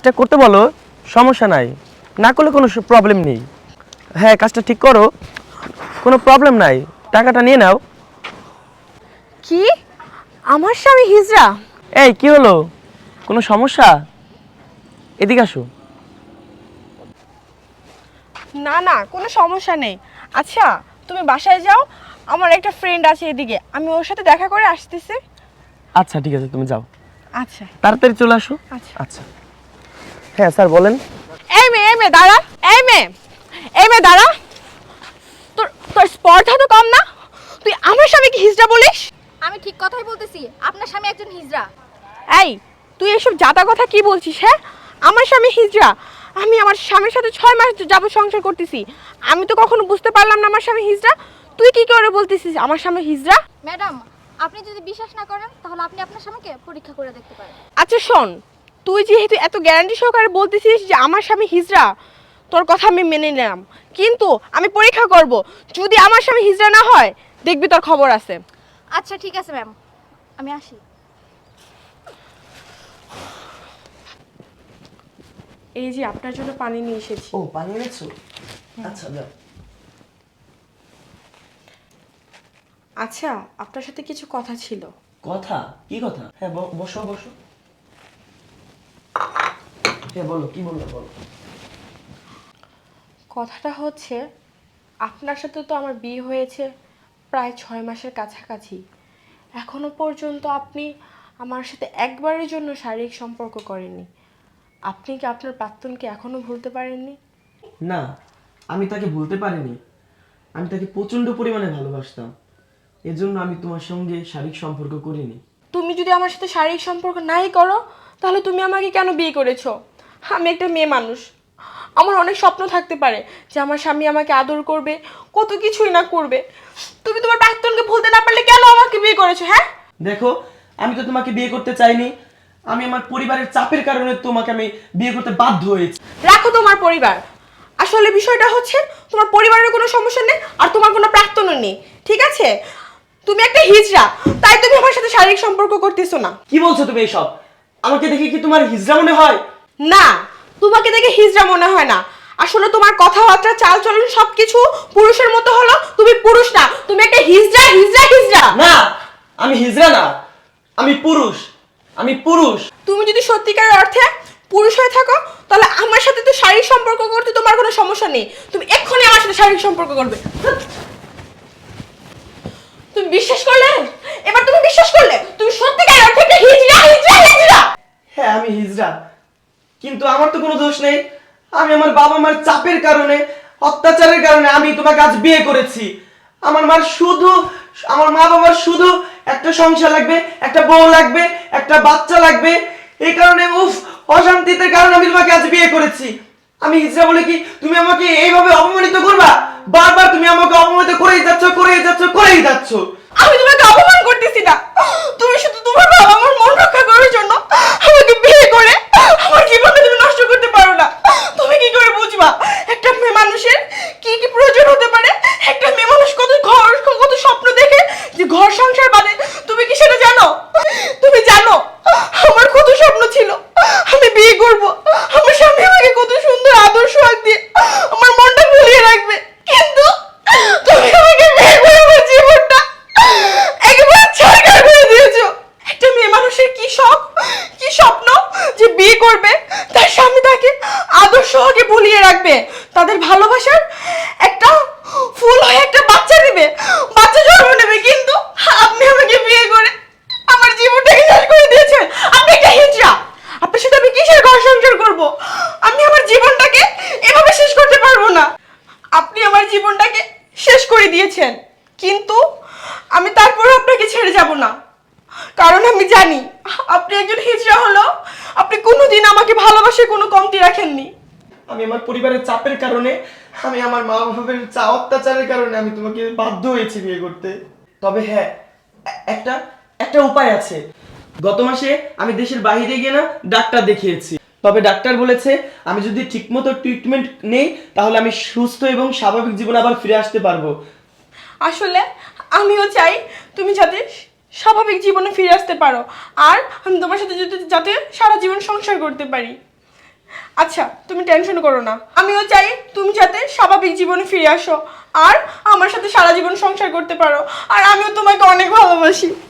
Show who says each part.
Speaker 1: কাজটা করতে বলো, সমস্যা নাই, না করলে কোনো প্রবলেম নেই। হ্যাঁ, কাজটা ঠিক করো, কোনো প্রবলেম নাই, টাকাটা নিয়ে নাও।
Speaker 2: কি? আমার স্বামী হিজড়া?
Speaker 1: এই কি হলো, কোনো সমস্যা? এদিকে আসো।
Speaker 2: না না, কোনো সমস্যা নেই। আচ্ছা, তুমি বাসায় যাও, আমার একটা ফ্রেন্ড আছে এদিকে, আমি ওর সাথে দেখা করে আসতেছি।
Speaker 1: আচ্ছা ঠিক আছে, তুমি যাও,
Speaker 2: আচ্ছা
Speaker 1: তাড়াতাড়ি চলে আসো।
Speaker 2: আচ্ছা।
Speaker 1: আচ্ছা হ্যাঁ স্যার বলেন।
Speaker 2: এই মেয়ে দাঁড়া, এই মেয়ে দাঁড়া। তোর তোর স্পর্ধা তো কম না, তুই আমার স্বামীকে হিজড়া বলিস?
Speaker 3: আমি ঠিক কথাই বলতেছি, আপনার স্বামী একজন হিজড়া।
Speaker 2: এই, তুই এসব জাতা কথা কি বলছিস? হ্যাঁ, আমার স্বামী হিজড়া? আমি আমার স্বামীর সাথে 6 মাস যাবত সংসার করতেছি, আমি তো কখনো বুঝতে পারলাম না আমার স্বামী হিজড়া। তুই কি করে বলতেছিস আমার স্বামী হিজড়া?
Speaker 3: ম্যাডাম, আপনি যদি বিশ্বাস না করেন তাহলে আপনি আপনার স্বামীকে পরীক্ষা করে দেখতে পারেন।
Speaker 2: আচ্ছা শোন, তুই যেহেতু এত গ্যারান্টি সহকারে বলতেছিস যে আমার স্বামী হিজড়া, তোর কথা আমি মেনে নিলাম, কিন্তু আমি পরীক্ষা করব, যদি আমার স্বামী হিজড়া না হয় দেখবি তোর খবর আছে।
Speaker 3: আচ্ছা ঠিক আছে ম্যাম, আমি আসি।
Speaker 2: এই যে আপনার জন্য পানি নিয়ে এসেছি।
Speaker 1: ও পানি এনেছো? আচ্ছা যাও।
Speaker 2: আচ্ছা, আপনার সাথে কিছু কথা ছিল।
Speaker 1: কথা? কি কথা? হ্যাঁ বসো বসো। হ্যাঁ বলো, কি বললো বলো।
Speaker 2: কথাটা হচ্ছে, আপনার সাথে তো আমার বিয়ে হয়েছে প্রায় 6 মাসের কাছাকাছি, এখনো পর্যন্ত আপনি আমার সাথে একবারের জন্য শারীরিক সম্পর্ক করেননি। আপনি কি আপনার প্রাক্তনকে এখনো ভুলতে পারেননি?
Speaker 1: না, আমি তাকে ভুলতে পারিনি। আমি তাকে প্রচন্ড পরিমাণে ভালোবাসতাম, এজন্য আমি তোমার সঙ্গে শারীরিক সম্পর্ক করিনি।
Speaker 2: তুমি যদি আমার সাথে শারীরিক সম্পর্ক নাই করো, তাহলে তুমি আমাকে কেন বিয়ে করেছো? আমি একটা মেয়ে মানুষ, আমার অনেক স্বপ্ন থাকতে পারে যে আমার স্বামী আমাকে আদর করবে, কত কিছুই না করবে। তুমি তোমার প্রাক্তনকে ভুলতে না পারলে কেন আমাকে বিয়ে করেছো? হ্যাঁ
Speaker 1: দেখো, আমি তো তোমাকে বিয়ে করতে চাইনি, আমি আমার পরিবারের চাপের কারণে তোমাকে আমি বিয়ে করতে বাধ্য হয়েছি।
Speaker 2: রাখো তোমার পরিবার, আসলে বিষয়টা হচ্ছে তোমার পরিবারের কোনো সমস্যা নেই আর তোমার কোনো প্রাক্তনও নেই, ঠিক আছে? তুমি একটা হিজড়া, তাই তুমি আমার সাথে শারীরিক সম্পর্ক করতেছো না।
Speaker 1: কি বলছো তুমি এইসব? আমাকে দেখে কি তোমার হিজড়া মনে হয়?
Speaker 2: না, তোমাকে দেখে হিজড়া মনে হয় না, আসলে তোমার কথাবার্তা চালচলন সবকিছু পুরুষের মতো হলো, তুমি পুরুষ না, তুমি একটা হিজড়া হিজড়া হিজড়া।
Speaker 1: না, আমি হিজড়া না, আমি পুরুষ, আমি পুরুষ।
Speaker 2: তুমি যদি সত্যিকারের অর্থে পুরুষ হয়ে থাকো, তাহলে আমার সাথে তো শারীরিক সম্পর্ক করতে তোমার কোনো সমস্যা নেই, তুমি এক্ষুনি আমার সাথে শারীরিক সম্পর্ক করবে। তুমি বিশ্বাস করলে? এবার তুমি বিশ্বাস করলে তুমি সত্যিকারের অর্থে একটা হিজড়া হিজড়া হিজড়া?
Speaker 1: হ্যাঁ আমি হিজড়া, কিন্তু আমার তো কোনো দোষ নেই। আমি আমার বাবা মার চাপের কারণে, অত্যাচারের কারণে আমি তোমাকে আজ বিয়ে করেছি। আমার মা বাবার শুধু একটা সংসার লাগবে, একটা বউ লাগবে, একটা বাচ্চা লাগবে, এই কারণে অশান্তিতে কারণে আমি তোমাকে আজ বিয়ে করেছি। আমি হিজড়া বলে কি তুমি আমাকে এইভাবে অপমানিত করবা? বারবার তুমি আমাকে অপমানিত করেই যাচ্ছ করেই যাচ্ছ করেই যাচ্ছ।
Speaker 2: আমি তোমাকে অপমান করতেছি না, তুমি শুধু তোমার বাবা মার মন রক্ষা করার জন্য আমাকে বিয়ে করে আমার জীবনটা তুমি নষ্ট করতে পারো না। তুমি কি করে বুঝবা একটা মেয়ে মানুষের কি কি প্রয়োজন হতে পারে? একটা মেয়ে মানুষ কত স্বপ্ন দেখে যে ঘর সংসার বাঁধে, তুমি কি সেটা জানো? তুমি জানো আমার কত স্বপ্ন ছিল আমি বিয়ে করব, আমার স্বামী আমাকে কত সুন্দর আদর সোহাগ দিয়ে আমার মনটা ভুলিয়ে রাখবে, কিন্তু তুমি আমাকে বিয়ে করে আমার জীবনটা একেবারে ছারখার করে দিয়েছো। একটা মেয়ে মানুষের কি শখ, কি স্বপ্ন যে বিয়ে করবে, তার স্বামী তাকে আদর সোহাগে ভুলিয়ে রাখবে, তাদের ভালোবাসার একটা ফুল হয়ে একটা বাচ্চা দিবে, বাচ্চা জন্ম নেবে, কিন্তু আপনি আমাকে বিয়ে করে আমার জীবনটাকে শেষ করে দিয়েছেন। আপনি একটা হিজড়া, আপনার সাথে আমি কিসের ঘর সংসার করবো? আমি আমার জীবনটাকে এভাবে শেষ করতে পারবো না। আপনি আমার জীবনটাকে শেষ করে দিয়েছেন, কিন্তু আমি তারপরেও আপনাকে ছেড়ে যাব না, কারণ আমি জানি আপনি একজন হিজড়া হলো আপনি কোনোদিন আমাকে ভালোবাসে কোনো কমতি রাখেননি।
Speaker 1: আমি আমার পরিবারের চাপের কারণে, আমি আমার মা বাবার অত্যাচারের কারণে আমি তোমাকে বাধ্য হয়েছি বিয়ে করতে। তবে হ্যাঁ, একটা একটা উপায় আছে। গত মাসে আমি দেশের বাইরে গিয়ে না ডাক্তার দেখিয়েছি, তবে ডাক্তার বলেছে আমি যদি ঠিকমতো ট্রিটমেন্ট নেই তাহলে আমি সুস্থ এবং স্বাভাবিক জীবনে আবার ফিরে আসতে পারবো।
Speaker 2: আসলে আমিও চাই তুমি যাতে স্বাভাবিক জীবনে ফিরে আসতে পারো, আর আমি তোমার সাথে যাতে সারা জীবন সংসার করতে পারি। আচ্ছা তুমি টেনশন করো না, আমিও চাই তুমি যাতে স্বাভাবিক জীবনে ফিরে আসো আর আমার সাথে সারা জীবন সংসার করতে পারো, আর আমিও তোমাকে অনেক ভালোবাসি।